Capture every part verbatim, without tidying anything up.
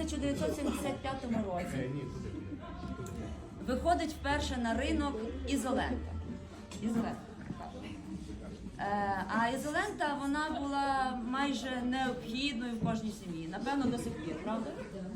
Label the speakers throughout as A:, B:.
A: тисяча дев'ятсот сімдесят п'ятому році виходить вперше на ринок ізолента. Ізолента. Е, а ізолента, вона була майже необхідною в кожній сім'ї. Напевно, до сих пір, правда?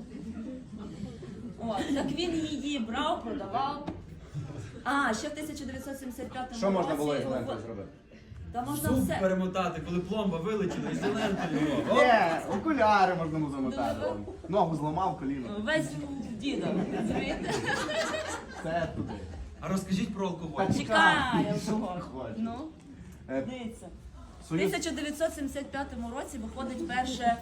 A: От, так він її брав, продавав. А, ще в тисяча дев'ятсот сімдесят п'ятому році...
B: Що можна було ізолентою зробити?
A: Та можна
C: Зуб
A: все.
C: перемотати, коли пломба вилетіла, ізолентою.
B: Є, окуляри можна було замотати. Ногу зламав, коліно.
A: Весь дідо, розумієте?
B: Все туди.
C: А розкажіть про алкоголь.
B: Та
A: Чекає алкоголь.
B: Хоче.
A: Ну,
B: Е,
A: дивіться. В
B: Союз...
A: тисяча дев'ятсот сімдесят п'ятому році виходить перше...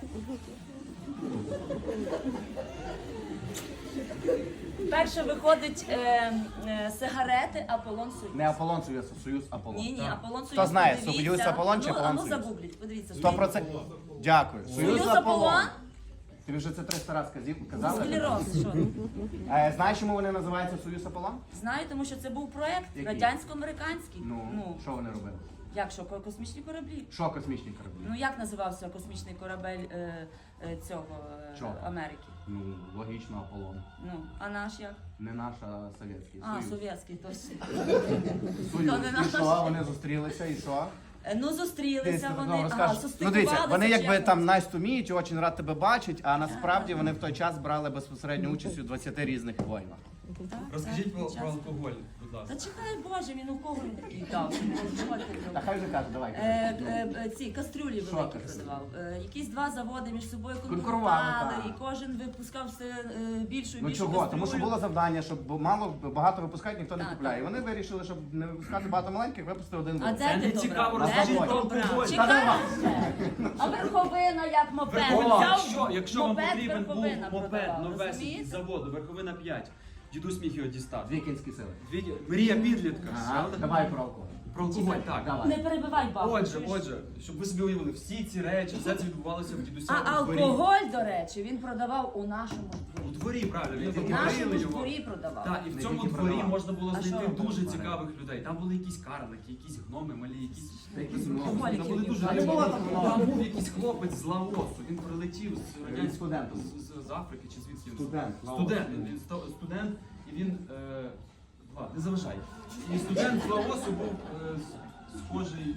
A: Перше виходить е, е, сигарети Аполлон Союз.
B: Не Аполлон Союз, а Союз Аполлон.
A: Ні, ні, Аполлон Союз.
B: Хто знає,
A: подивіться.
B: Союз Аполлон чи
A: Ну,
B: Аполлон
A: а ну
B: Союз?
A: загугліть, подивіться.
B: Сто процентів. Дякую.
A: Союз Аполлон?
B: Тобі вже це триста разів казів- казали?
A: Склероз, що?
B: Е, знаєш, чому вони називаються Союз Аполлон?
A: Знаю, тому що це був проєкт
B: Який?
A: радянсько-американський.
B: Ну, що вони робили?
A: Як що, ко- космічні кораблі?
B: Що космічні кораблі?
A: Ну як називався космічний корабель е, е, цього е,
B: Чого?
A: Америки?
B: Ну, логічно, Аполлон.
A: Ну, а наш як?
B: Не наш, а совєтський.
A: А,
B: Союз.
A: совєтський, точно.
B: Союз.
A: То не
B: І
A: наш.
B: що? Вони зустрілися, і що?
A: Е, Ну, зустрілися
B: Ти
A: вони,
B: знову
A: ага,
B: розкажеш. Ну дивіться,
A: состикувалися,
B: вони
A: чи
B: якби
A: як
B: там
A: це?
B: nice to meet, очень рад тебе бачить, а насправді вони в той час брали безпосередню участь у двадцяти різних воїнах.
A: Так,
C: Розкажіть
A: так,
C: про,
A: під час.
C: про алкоголь, будь
A: Та
C: ласка.
A: чекай, Боже, він у кого він такий дав?
B: Та хай вже каже, давай.
A: Е, е, е, ці кастрюлі
B: Що
A: великі
B: кастрюлі?
A: продавав. Е, якісь два заводи між собою
B: Конкурували,
A: конкурували,
B: так.
A: і кожен випускав все е, більшу і
B: Ну
A: більшу
B: чого?
A: кастрюлю.
B: Тому що було завдання, щоб мало багато випускають, ніхто не
A: Так,
B: купляє. І
A: так.
B: вони вирішили, щоб не випускати багато маленьких, випустити один
A: А
B: великий.
A: де
C: Це
A: ти
C: не
A: то
C: цікаво,
A: брав? Де
B: розкажіть
A: ти
B: про
A: то брав?
C: алкоголь.
A: Чекай ще. А верховина як мопед.
C: Верховина.
A: Взяв
C: Якщо, якщо вам
A: мопед,
C: потрібен був
A: верховина
C: мопед
A: продавав,
C: новесенький
A: розумієте?
C: з заводу, верховина п'ять, дідусь міг його дістати.
B: Дві кінські сили.
C: Дві- Мрія підлітка.
B: Ага,
C: правда?
B: давай про алкоголь.
C: Про алкоголь, так.
B: Давай.
A: Не перебивай бабу.
C: Отже,
A: чуєш?
C: отже, щоб ви собі уявили, всі ці речі, все це відбувалося в дідуся
A: А
C: у дворі.
A: алкоголь, до речі, він продавав у нашому
C: У
A: дворі.
C: дворі, правильно, він
A: В нашому
C: варили
A: ж
C: його.
A: дворі продавав.
C: Так, і в
B: Не
C: цьому
B: тільки
C: дворі
B: продавав.
C: можна було
A: А
C: знайти
A: що?
C: дуже
B: Ага.
C: цікавих людей. Там були якісь карлики, якісь гноми, малі, якісь.
B: Якісь
C: Там
B: гноми.
C: були дуже
A: Які
C: різні.
B: було там много.
C: Там був якийсь хлопець з Лаосу, він прилетів з
B: Він
C: радянського
B: студентом.
C: з, з, з Африки чи звідки він?
B: Студент.
C: Студент, він ста- студент, і він е, два, не заважай. І студент з Лаосу був е, с- схожий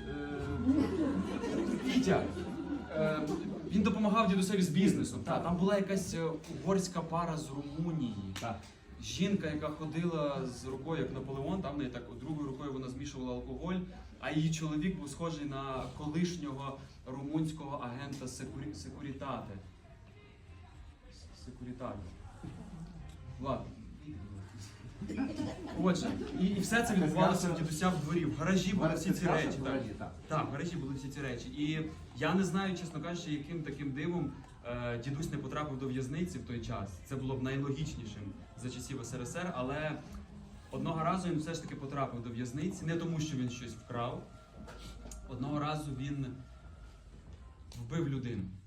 C: е, Вітя. Е, він допомагав дідусеві з бізнесом. Та, там була якась е, угорська пара з Румунії.
B: Так.
C: Жінка, яка ходила з рукою, як Наполеон, там в неї так другою рукою вона змішувала алкоголь, а її чоловік був схожий на колишнього румунського агента секурі... секурітати. С- Секурітати. Ладно. Отже, і, і все це відбувалося в дідуся в дворі. В гаражі були всі ці речі.
B: В
C: Так.
B: гаражі, так.
C: Так, в гаражі були всі ці речі. І я не знаю, чесно кажучи, яким таким дивом е, дідусь не потрапив до в'язниці в той час. Це було б найлогічнішим за часів ес ер ес ер, але одного разу він все ж таки потрапив до в'язниці, не тому, що він щось вкрав. Одного разу він вбив людину.